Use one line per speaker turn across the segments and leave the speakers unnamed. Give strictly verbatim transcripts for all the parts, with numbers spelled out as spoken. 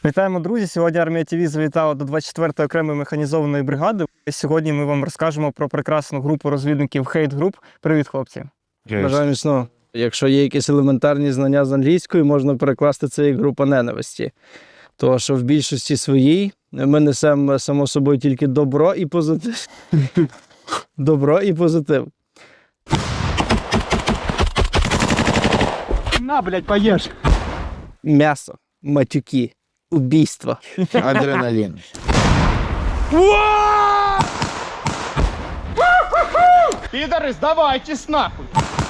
Вітаємо, друзі! Сьогодні Армія ТВ завітала до двадцять четвертої окремої механізованої бригади. Сьогодні ми вам розкажемо про прекрасну групу розвідників Hate Group. Привіт, хлопці!
Бажаю міцного. Якщо є якісь елементарні знання з англійської, можна перекласти це як група ненависті. Тому що в більшості своїй ми несемо, само собою, тільки добро і позитив. Добро і позитив.
На, блядь, поїж!
М'ясо, матюки, убійства.
Адреналин.
Пидоры, сдавайтесь нахуй!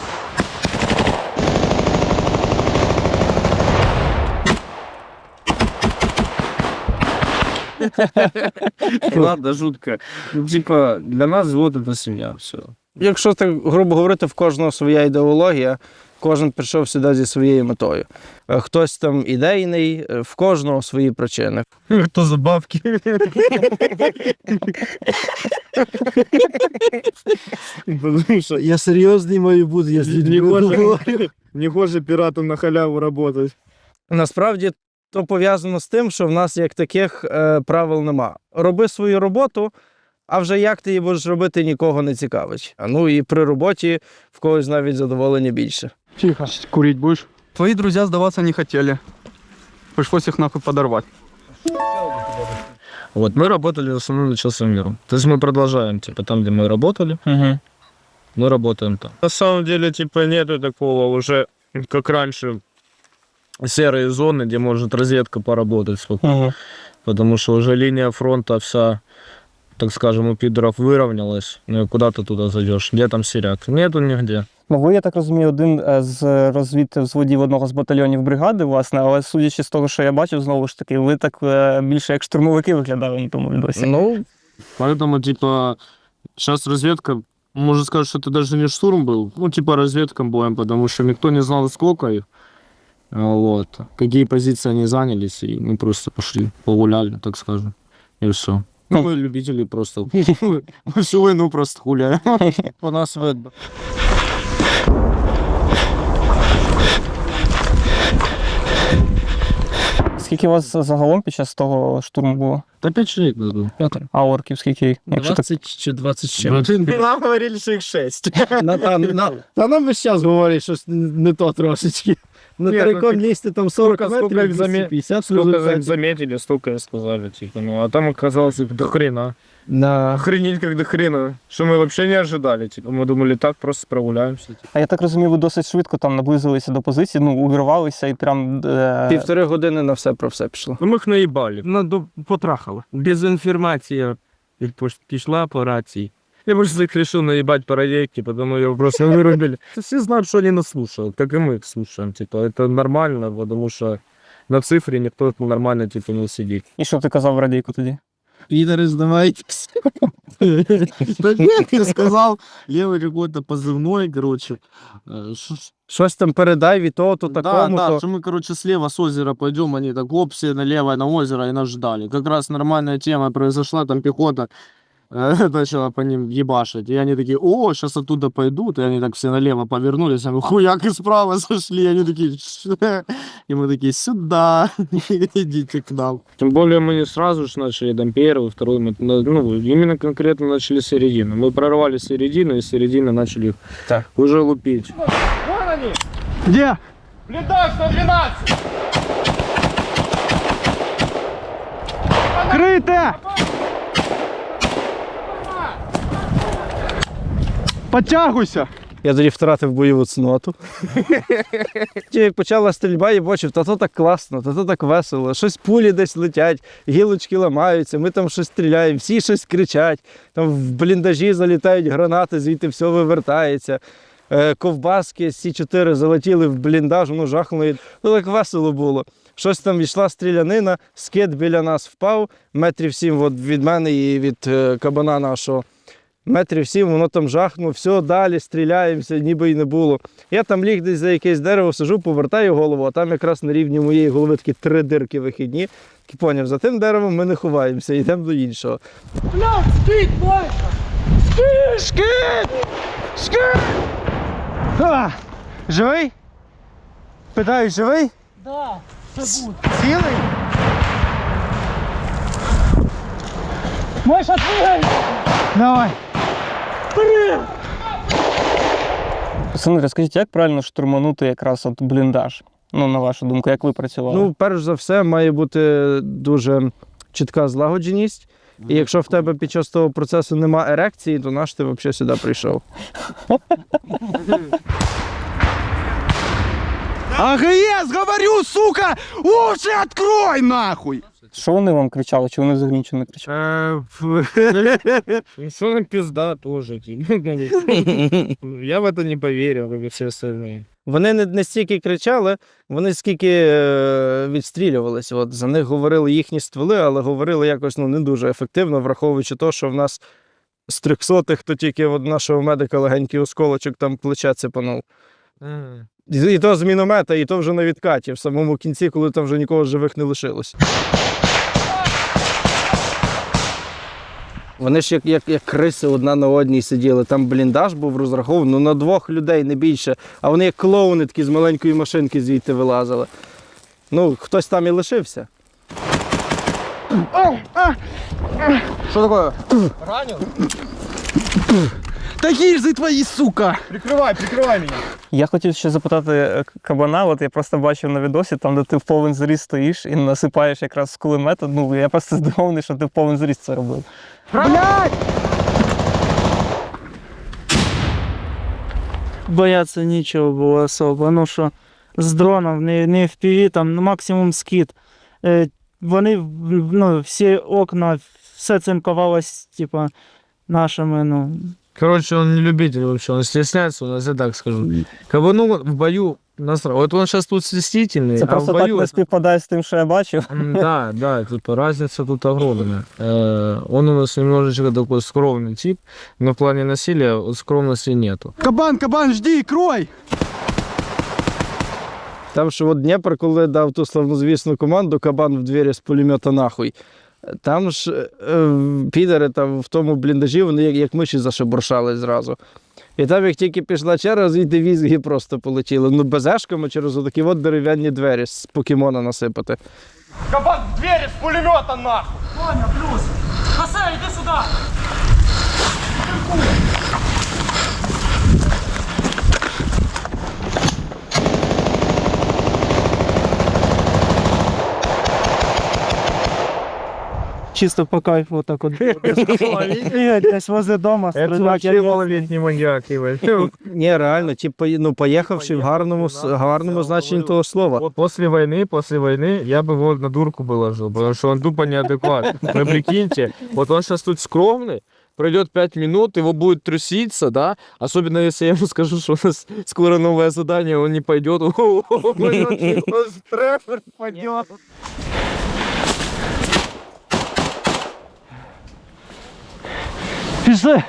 Ладно, жутко. Ну, типа, для нас взвод — это семья, все.
Якщо так грубо говорити, в кожного своя ідеологія, кожен прийшов сюди зі своєю метою. Е, Хтось там ідейний, е, в кожного свої причини.
Кто за бабки? Потому что
Я серйозний маю бути, я
не хоже, не хоже пирату на халяву работать.
Насправді, то пов'язано з тим, що в нас як таких е, правил нема. Роби свою роботу, а вже як ти її будеш робити, нікого не цікавить. А ну і при роботі в когось навіть задоволення більше.
Тихо. Курить будешь?
Твои друзья сдаваться не хотели. Пришлось их нахуй подорвать.
Вот, мы работали в основном начался миром. То есть мы продолжаем, типа, там, где мы работали,
Угу.
мы работаем там. На самом деле, типа, нету такого уже, как раньше, серые зоны, где может разведка поработать спокойно.
Угу.
Потому что уже линия фронта вся, так скажем, у пидоров выровнялась. Ну и куда ты туда зайдешь? Где там сиряк? Нету нигде.
Ну, ви, я так розумію, один з розвідвзводів одного з батальйонів бригади, власне, але судячи з того, що я бачив, знову ж таки, ви так е, більше як штурмовики виглядали на тому відосі.
Ну,
Поэтому, типа, сейчас разведка, можно сказать, что это даже не штурм был, ну, типа, разведка боем, потому что никто не знал, сколько их, а, вот, какие позиции они занялись, и мы просто пошли, погуляли, так скажем, и все. Ну, мы любители просто, мы всю войну просто гуляем.
по нас видно.
Скільки у вас загалом під час того штурму було?
Да пять человек нас было.
А орків скільки? Якщо так...
двадцять чи двадцять з чим.
Нам говорили, що їх шесть.
На, на, на,
Та нам весь час говорять, що не то трошечки. На
Ні,
тарикон
ну,
лізти там сорок
сколько- сколько
метрів,
їх замі-
двісті п'ятдесят
Сколько их
результатів.
заметили, столько и сказали, типа, ну, а там оказалось их до хрена.
На...
Охренеть как до хрена, что мы вообще не ожидали, типа, мы думали, так просто прогуляемся. Типа.
А я так розумію, ви досить швидко там наблизилися до позиції, ну, увірвалися і прям... Е...
півтори години на все про все пішло.
Ну, мы их наебали.
Ну, до- потрахало. Дезінформація пішла по рації.
Я просто их решил наебать по радейке, потому ее просто вырубили. Все знают, что они нас слушают, как и мы их слушаем, типа, это нормально, потому что на цифре никто нормально, типа, не сидит.
І що ти казав в радійку тоді?
Пидоры, сдавайтесь.
Да нет, я сказал, левый какой-то позывной, короче. Э, ш-
Щось там передай від того, то
Да,
такому,
да,
то...
что мы, короче, слева с озера пойдем, они так оп, все налево на озеро и нас ждали. Как раз нормальная тема произошла, там пехота э, начала по ним ебашить. И они такие, о, сейчас оттуда пойдут. И они так все налево повернулись, а мы хуяк и справа зашли. И они такие, «Ш-». И мы такие, сюда, идите к нам. Тем более мы не сразу же начали, там, первый, второй, мы, ну, именно конкретно начали с середины. Мы прорвали середину, и с середины начали их
Так.
уже лупить.
Где?
Бліндаж сто дванадцять!
Крыто! Подтягуйся!
Я тоді втратив бойову цноту. Ті, як почала стрільба, я бачив, та то так класно, та то так весело. Щось пулі десь летять, гілочки ламаються, ми там щось стріляємо, всі щось кричать. Там в бліндажі залітають гранати, звідти все вивертається. Е, Ковбаски Сі чотири залетіли в бліндаж, воно жахнуло. Ну так весело було. Щось там йшла стрілянина, скид біля нас впав, метрів сім от від мене і від е, кабана нашого. Метрів сім, воно там жахнуло, все, далі стріляємося, ніби й не було. Я там ліг десь за якесь дерево, сижу, повертаю голову, а там якраз на рівні моєї голови такі три дирки вихідні. І поняв, за тим деревом ми не ховаємося, йдемо до іншого.
Бля, скид, Майка! Скид! Скид! Скид!
А, живий? Питаю, живий?
Да, це буде.
Цілий?
Давай.
Пацани, розкажіть, як правильно штурманути якраз от бліндаж? Ну, на вашу думку, як ви працювали?
Ну, перш за все, має бути дуже чітка злагодженість. І якщо в тебе під час того процесу нема ерекції, то наш ти взагалі сюди прийшов.
АГС, говорю, сука! Уши открой, нахуй!
Що вони вам кричали, чи вони взагалі нічого не кричали?
Что нам пизда тоже. Я в это не поверил, как и все остальные.
Вони не, не стільки кричали, вони скільки е, відстрілювалися. От, за них говорили їхні стволи, але говорили якось ну, не дуже ефективно, враховуючи те, що в нас з трьохсотих, то тільки от нашого медика легенький осколочок там плече цепанув. І, і то з міномета, і то вже на відкаті, в самому кінці, коли там вже нікого живих не лишилось. Вони ж як, як, як криси одна на одній сиділи. Там бліндаж був розрахований ну, на двох людей, не більше. А вони як клоуни такі з маленької машинки звідти вилазили. Ну, хтось там і лишився.
Что такое? Ранил? Да гильзы твои, сука! Прикрывай, прикрывай меня!
Я хотів ще запитати е, кабана, от я просто бачив на відосі, там, де ти в повен зріст стоїш і насипаєш якраз з кулемета. Ну, я просто здивований, що ти в повен зріст це робив.
Блядь!
Бояться нічого було особо. Ну що з дроном, не, не в пі ві, там ну, максимум скид. Е, вони, ну, всі окна, все цинкувалось, типа, нашими, ну.
Короче, он не любитель вообще, он стесняется, у нас я так скажу. Кабану в бою насрал. Вот он сейчас тут стеснительный,
Це
а в
просто так
бою...
не співпадає з тим, що я бачив.
М, Да, да, типа разница тут огромная. Э, Он у нас немножечко такой скромный тип, но в плане насилия вот скромности нету.
Кабан, кабан, жди, крой!
Там що от Дніпр, коли дав ту славнозвісну команду «Кабан в двері з пулемета нахуй». Там ж е, підери там в тому бліндажі, вони як, як миші зашебуршали зразу. І там, як тільки пішла черга, звідти візги просто полетіли. Ну, безешками через отакі от дерев'яні двері з покемона насипати.
Кабан в двери с пулемета, нахуй!
Чисто по кайфу вот так вот. Бігать десь возле дома,
Это
стріляти.
вообще малолетний маньяк, Иван.
Ні, реально, ті, пої- ну, поїхавши в гарному, с- гарному значенні того слова.
Вот после войны, после войны я бы его на дурку положил, потому что он тупо неадекватный. Вы прикиньте, вот он сейчас тут скромный, пройдет пять минут, его будет труситься, да, особенно если я ему скажу, что у нас скоро новое задание, он не пойдет, он стрефер пойдет.
Пішли!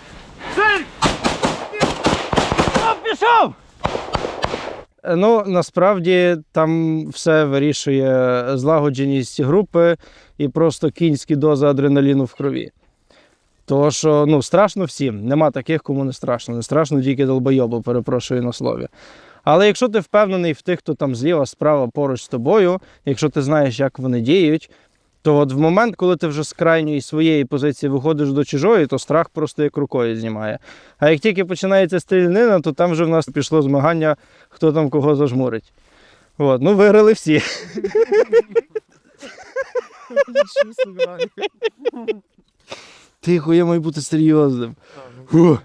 Ну, насправді там все вирішує злагодженість групи і просто кінські дози адреналіну в крові. Тому що ну, страшно всім, нема таких, кому не страшно. Не страшно тільки долбойобу, перепрошую на слові. Але якщо ти впевнений в тих, хто там зліва, справа, поруч з тобою, якщо ти знаєш, як вони діють, то от в момент, коли ти вже з крайньої своєї позиції виходиш до чужої, то страх просто як рукою знімає. А як тільки починається стрілянина, то там вже в нас пішло змагання, хто там кого зажмурить. От, ну виграли всі. Тихо, я маю бути серйозним. Фу.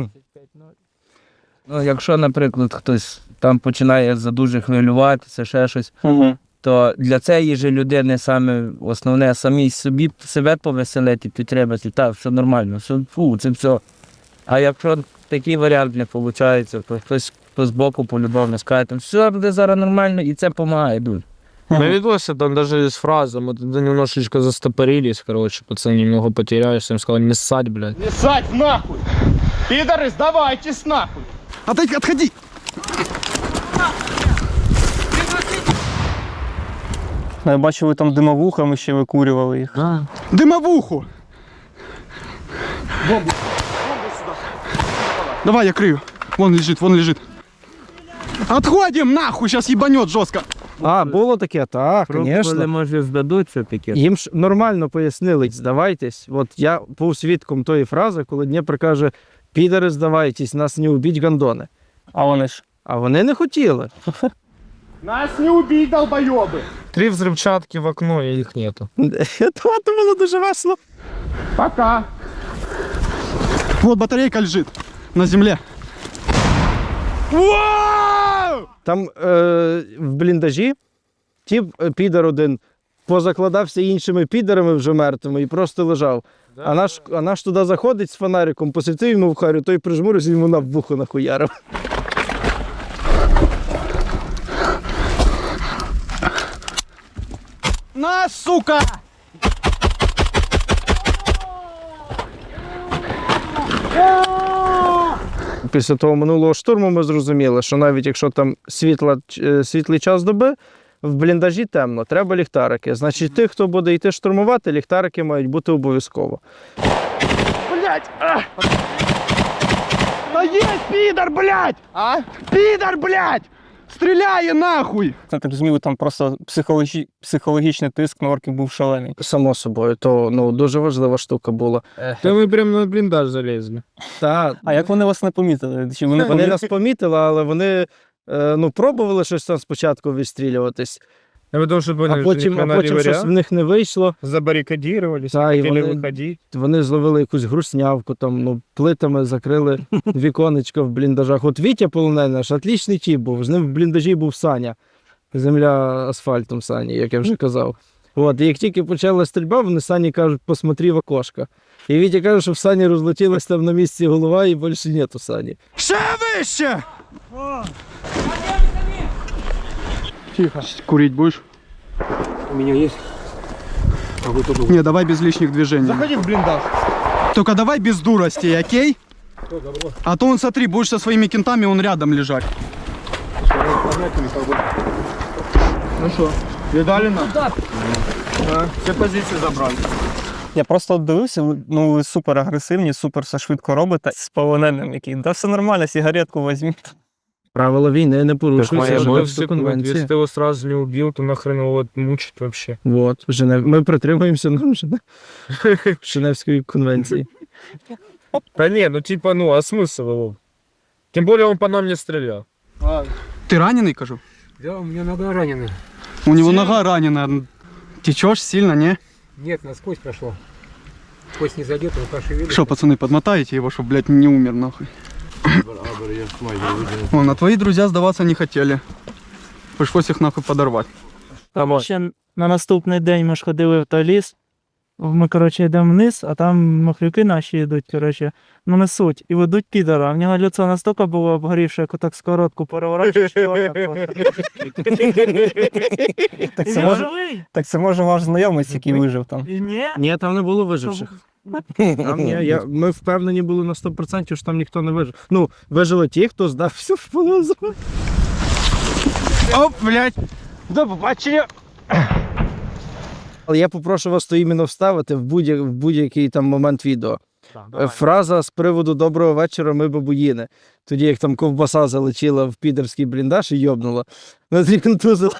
Ну, якщо, наприклад, хтось там починає задуже хвилюватися, ще щось,
Угу.
то для цієї ж людини саме основне самі собі себе повеселити, підтримати, так, все нормально, все, фу, це все. А якщо такий варіант не виходить, то хтось хто збоку полюбовно скаже, там, все буде зараз нормально, і це допомагає дуже.
На видосе там даже есть фраза, мы тогда немножечко застопорились, короче, пацаны немного потерялись, я им сказал, не ссать, блядь.
Не ссать, нахуй! Пидоры, сдавайтесь, нахуй! Отойди, отходи!
Я бачу, ви там димовухами ще викурювали їх.
Дымовуху! Бомбу! Бомбу сюда! Давай, я крыю. Вон лежит, вон лежит. Отходим, нахуй, сейчас ебанет жестко.
А, було таке? Так,
Пробували,
звісно.
може, здадуться таке.
Їм ж нормально пояснили, здавайтесь. От я був свідком тої фрази, коли Дніпро каже, підари, здавайтесь, нас не убіть гандони.
А вони ж.
А вони не хотіли.
Нас не убить, долбоебы!
Три взрывчатки в окно, и их нету.
Це було дуже весело.
Пока. Вот батарейка лежит на земле.
Там е, в бліндажі тіп е, підар один позакладався іншими підарами вже мертвими і просто лежав. А наш, а наш туди заходить з фонариком, посвітив йому в харю, той прижмурився і йому на вухо нахуярив.
На, сука!
Після того минулого штурму ми зрозуміли, що навіть якщо там світла, е, світлий час доби, в бліндажі темно, треба ліхтарики. Значить, тих, хто буде йти штурмувати, ліхтарики мають бути обов'язково.
Блять! А! Да есть пидор, блять! А? Пидор, блять! Стреляй нахуй!
Я так розумію, там просто психологі... психологічний тиск на орків був шалений.
Само собою, то ну, дуже важлива штука була.
Да мы прям на блиндаж залезли.
Та,
А як вони вас не помітили? Чи вони,
вони
помітили?
нас помітили, але вони е, ну, пробували щось там спочатку відстрілюватись,
А потому что поняли,
а потім,
что
а потім щось в них не вийшло.
забаррикадировались,
Да, и
хотели
вони-
выходить.
Вони зловили якусь груснявку, там, ну, плитами закрили віконечко в бліндажах. От Вітя полонений наш, отлічний тіп був. З ним в бліндажі був Саня. Земля асфальтом Сані, як я вже казав. От, і як тільки почала стрільба, вони Сані кажуть, посмотри в окошко. І Вітя каже, що в Сані розлетілась там на місці голова і більше нету Сані.
Ще вище! Тихо. Курить будешь?
У меня есть. А вы только...
Не, давай без лишних движений.
Заходи в блиндаж.
Только давай без дурости, окей? А то он, смотри, будешь со своими кентами, он рядом лежать.
Ну что, видали нас? Да. Все позиции забрали.
Я просто от дивився, ви- ну ви супер агресивні, супер все швидко робите. З полоненим який. Да все нормально, сигаретку візьміть.
Правила війни не порушуються.
Моя
Женевська
Если
конвенція.
ты его сразу не убил, то нахрен его вот мучить вообще.
От, Женев... Ми притримуємося норм Женев... Женевської конвенції.
Да не, ну типа, ну а смысл его? Тем более он по нам не стрелял.
Ты раненый, кажу?
Да, у меня нога ранена.
У него нога ранена. Течешь сильно, не?
Нет, насквозь прошла. Кость не задета, но пошевелилась.
Что, пацаны, подмотаете его, чтобы, блядь, не умер, нахуй. Вон, а твои друзья сдаваться не хотели. Пришлось их нахуй подорвать.
Ще на наступний день ми ж ходили в той ліс. Ми, коротше, йдемо вниз, а там махлюки наші йдуть, коротше, ну несуть. І ведуть підара. В нього лицо настільки було обгорівше, як отак скоротку переворачуєш. і отак от.
Так
І
це
він
може,
живий.
так це може ваш знайомець, який вижив там.
І ні.
Ні, там не було виживших. Там, ні, я, ми впевнені були на сто відсотків, що там ніхто не вижив. Ну, вижили ті, хто здався в полон.
Оп, блядь. До побачення.
Але я попрошу вас то іменно вставити в будь-який в будь-який там момент відео. Е, Фраза з приводу «Доброго вечора, ми бабуїни». Тоді, як там ковбаса залетіла в підерський бліндаж і йобнула. Нас і контузила.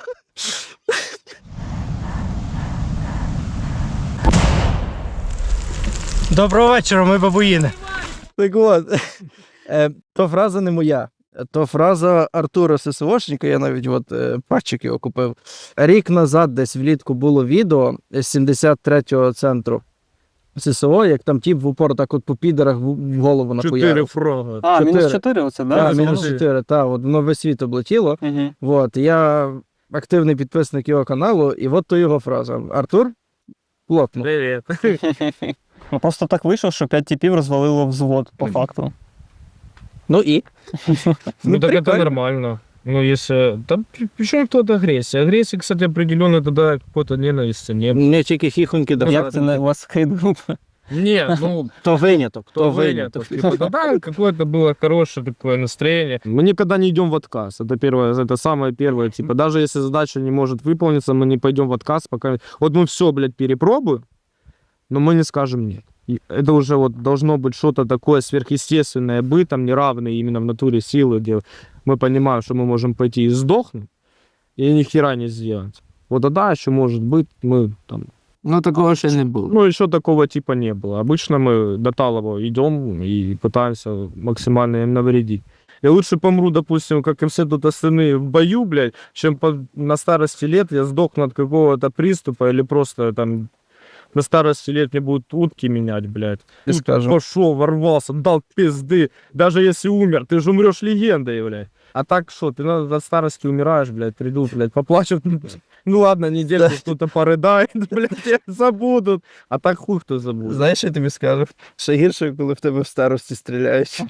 Доброго вечора, ми бабуїни.
Так от, е, то фраза не моя. То фраза Артура ССОшника, я навіть от е, патчик його купив. Рік назад десь влітку було відео з сімдесят третього центру ССО, як там тіп в упор так от по підерах в в голову
Четыре
нахуярив.
фрага.
А,
Чотири.
мінус чотири оце, да?
Так,
Це
мінус
може?
чотири, так, от воно весь світ облетіло.
Мгм.
От, я активний підписник його каналу, і от то його фраза. Артур плотно.
Привет.
Ну просто так вийшло, що п'ять типів розвалило взвод, по факту.
Ну і?
Ну так это
прикольно.
нормально. Ну если... Там причем тут агрессия? Агрессия, кстати, определенно тогда какой-то ненависти не было.
Не тільки хіхоньки до
Як це не у вас хейт-група?
Не, ну
То виняток, то
то
виняток.
выняток. Типа, тогда какое-то было хорошее такое настроение. Мы никогда не идем в отказ. Это первое, это самое первое. Типа, даже если задача не может выполниться, мы не пойдем в отказ, пока... Вот мы все, блядь, перепробуем, но мы не скажем нет. И это уже вот должно быть что-то такое сверхъестественное быть, там неравное именно в натуре силы, где мы понимаем, что мы можем пойти и сдохнуть, и ни хера не сделать. Вот тогда еще может быть мы там.
Ну такого ще не було.
Ну, еще такого типа не было. Обычно мы до Талова идем и пытаемся максимально им навредить. Я лучше помру, допустим, как и все тут остальные в бою, блядь, чем по, на старости лет я сдохну от какого-то приступа или просто там на старости лет мне будут утки менять, блядь.
И скажем.
Пошел, ворвался, дал пизды. Даже если умер, ты же умрешь легендой, блядь. А так что, ты на, от старости умираешь, блядь, придут, блядь, поплачут. Ну ладно, недельку кто-то порыдает, блядь, тебя забудут. А так хуй хто забуде.
Знаєш, що я тобі скажу? Ще гірше, коли в тебе в старості стріляють.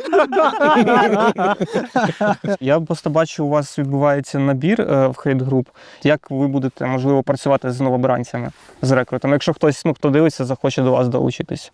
Я просто бачу, у вас відбувається набір е, в хейт-груп. Як ви будете, можливо, працювати з новобранцями, з рекрутами, якщо хтось, ну, хто дивиться, захоче до вас долучитись?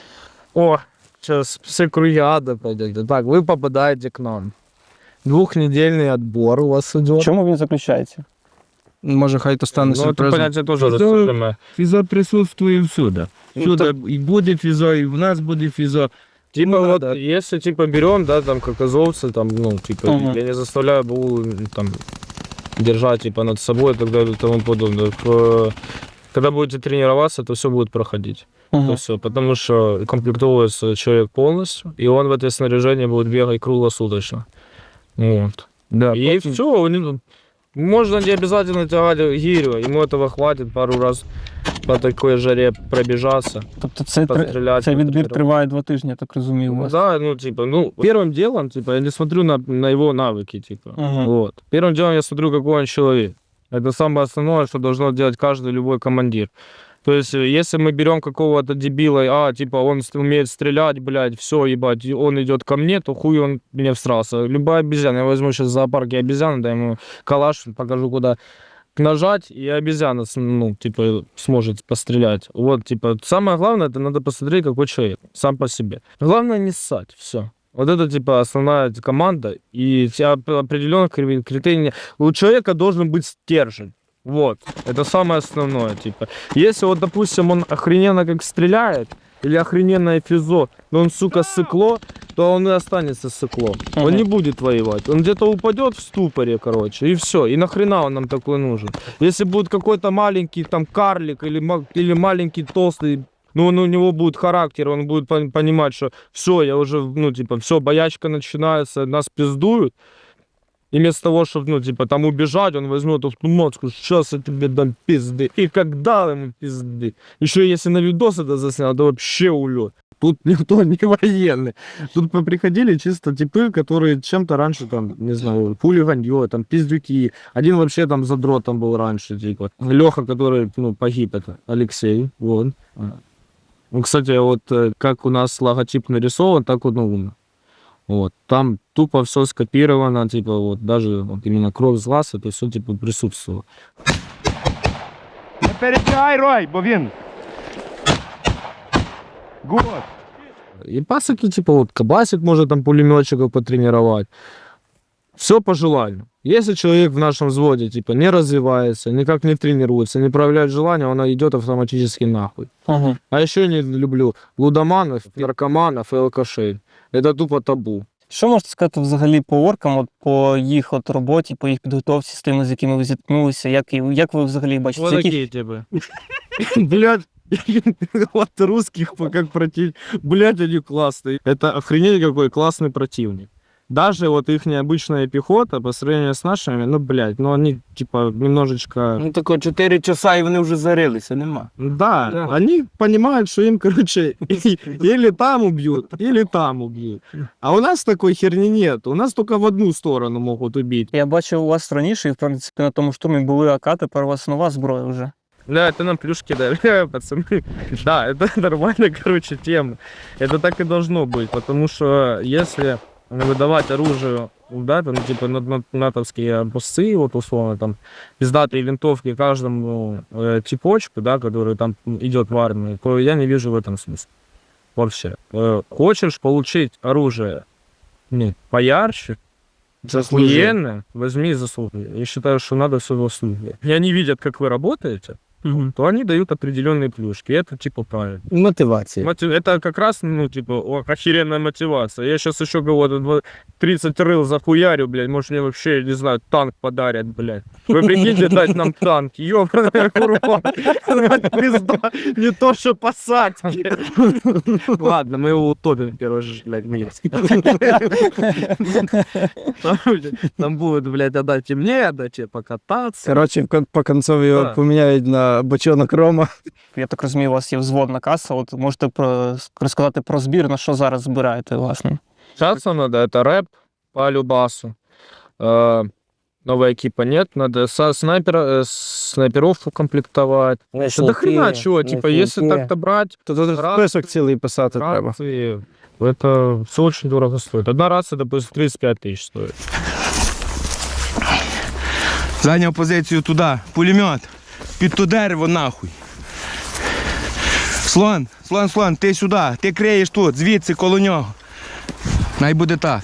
О, сейчас все круги ада пойдете. Так, вы попадаете к нам. Двухнедельный отбор у вас
В
идет.
чому він заключається?
Може, хай то стане
Ну, это
сюрпризом.
понятие тоже
Физо-
расскажем.
Фізо присутствує всюди.
Ну,
Всюди і буде фізо, і в нас буде фізо.
Типа
Ну,
вот,
да.
если типа берем, да, там как азовцы, там, ну, типа,
Мгм.
я не заставляю БУ там держать типа над собой и так далее и тому подобное. К- Когда будете тренироваться, то все будет проходить.
Мгм.
То все, потому что комплектуется человек полностью, и он в это снаряжение будет бегать круглосуточно. Вот.
Да,
И
потім-
все, можно не обязательно тягать гирю, ему этого хватит пару раз по такой жаре пробежаться,
Тобто це, три-
пострелять.
цей відбір
потренироваться.
триває два тижні, я так розумію, у
Ну
вас?
да, ну типа, ну первым делом, типа, я не смотрю на, на его навыки, типа.
Мгм.
Вот. Первым делом я смотрю, какой он человек. Это самое основное, что должно делать каждый любой командир. То есть, э, если мы берем какого-то дебила, а, типа, он ст- умеет стрелять, блядь, все, ебать, и он идет ко мне, то хуй он мне всрался. Любая обезьяна, я возьму сейчас в зоопарке обезьяну, дай ему калаш, покажу, куда нажать, и обезьяна, с- ну, типа, сможет пострелять. Вот, типа, самое главное, это надо посмотреть, какой человек, сам по себе. Главное не ссать, все. Вот это, типа, основная команда, и все оп- определенных кри- критерий. У человека должен быть стержень. Вот, это самое основное, типа. Если вот, допустим, он охрененно как стреляет, или охрененное физо, но он, сука, сыкло, то он и останется сыкло. Он
Мгм.
не будет воевать. Он где-то упадет в ступоре, короче, и все. И нахрена он нам такой нужен? Если будет какой-то маленький там карлик или, ма- или маленький толстый, ну, он, у него будет характер, он будет пон- понимать, что все, я уже, ну, типа, все, боячка начинается, нас пиздуют. И вместо того, чтобы, ну, типа, там убежать, он возьмет автомат, скажет, сейчас я тебе дам пизды. И как дал ему пизды. Еще если на видос это заснял, то вообще улет. Тут никто не военный. Тут приходили чисто типы, которые чем-то раньше, там, не знаю, хулиганье, там, пиздюки. Один вообще там задротом был раньше, типа. Леха, который, ну, погиб, это Алексей, вот. Ну, кстати, вот э, как у нас логотип нарисован, так он, ну, вот. Там тупо все скопировано, типа, вот, даже вот именно кровь с глаз, это все, типа, присутствовало.
Не перебігай, Рой, бо він. Гуд.
И пасыки, типа, вот, кабасик может там пулеметчиков потренировать. Все по желанию. Если человек в нашем взводе, типа, не развивается, никак не тренируется, не проявляет желания, он идет автоматически нахуй.
Мгм.
А еще не люблю лудоманов, наркоманов и алкашей. Это тупо табу.
Що можете сказати взагалі по оркам, от, по їх от роботі, по їх підготовці, з тими, з якими ви зіткнулися, як, і- як ви взагалі бачите?
Вот
які-
такие тебе. Блядь, вот русских как противник. Блядь, они классные. Это охренеть какой классный противник. Даже вот их необычная пехота по сравнению с нашими, ну, блядь, ну они типа немножечко...
Ну тако чотири часа і вони вже зарилися, нема.
Да,
Да.
они понимают, что им, короче, или там убьют, или там убьют. А у нас такой херни нет. У нас только в одну сторону могут убить.
Я бачив у вас раніше, і в принципі на тому штурмі були АК, тепер у вас нова зброя вже.
Да, это нам плюшки дали, пацаны. Да, это нормальная, короче, тема. Это так и должно быть, потому что если выдавать оружие, да, там, типа, на- на- натовские образцы, вот, условно, там, пиздатые винтовки каждому э, типочку, да, который там идет в армию, то я не вижу в этом смысла. Вообще. Э, хочешь получить оружие, ну, поярче, охуенно, возьми и заслужи. Я считаю, что надо все заслуживать. И они видят, как вы работаете,
Мгм.
то они дают определенные плюшки. Это типа правильно.
Мотивація.
Мотив- Это как раз, ну, типа, о, охеренная мотивация. Я сейчас еще кого-то тридцать рыл захуярю, блядь, может мне вообще, не знаю, танк подарят, блядь. Вы прикиньте, дать нам танк, ёбаная курва. Пизда, не то, что посадки. Ладно, мы его утопим, короче, блядь, вниз. Там, блядь, Там будет, блядь, отдать и мне, отдать и покататься.
Коротше, в кон- по концові його
Так.
поміняють на бочонок рома.
Я так розумію, у вас є взводна каса. От можете про, розказати про збір, на що зараз збираєте, власне.
Сейчас надо, это рэп по любасу. Э, Новая экипа нет, надо со снайпера, э, снайперов укомплектовать. Да до хрена чего, типа, если так-то брать,
То тут
Раз-
список цілий писати треба.
рации, это все очень дорого стоит. Одна рация, допустим, тридцать пять тысяч стоит.
Зайняв позицію туди. Пулемет. Під то дерево нахуй. Слон, слон, слон, ти сюди. Ти криєш тут, звідси коло нього. Най буде так.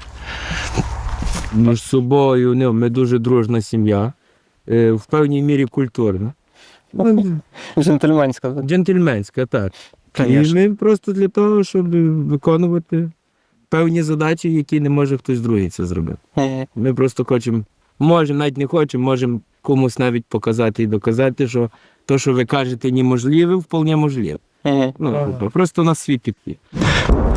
Між собою ну, ми дуже дружна сім'я, е, в певній мірі культурна. Ну,
Джентльменська. так?
Джентльменська, так. І
Конечно.
ми просто для того, щоб виконувати певні задачі, які не може хтось другий це зробити.
Мгм.
Ми просто хочемо, можемо, навіть не хочемо, можемо комусь навіть показати і доказати, що то, що ви кажете, неможливе, вполне можливе.
Мгм.
Ну, просто на світ підпі.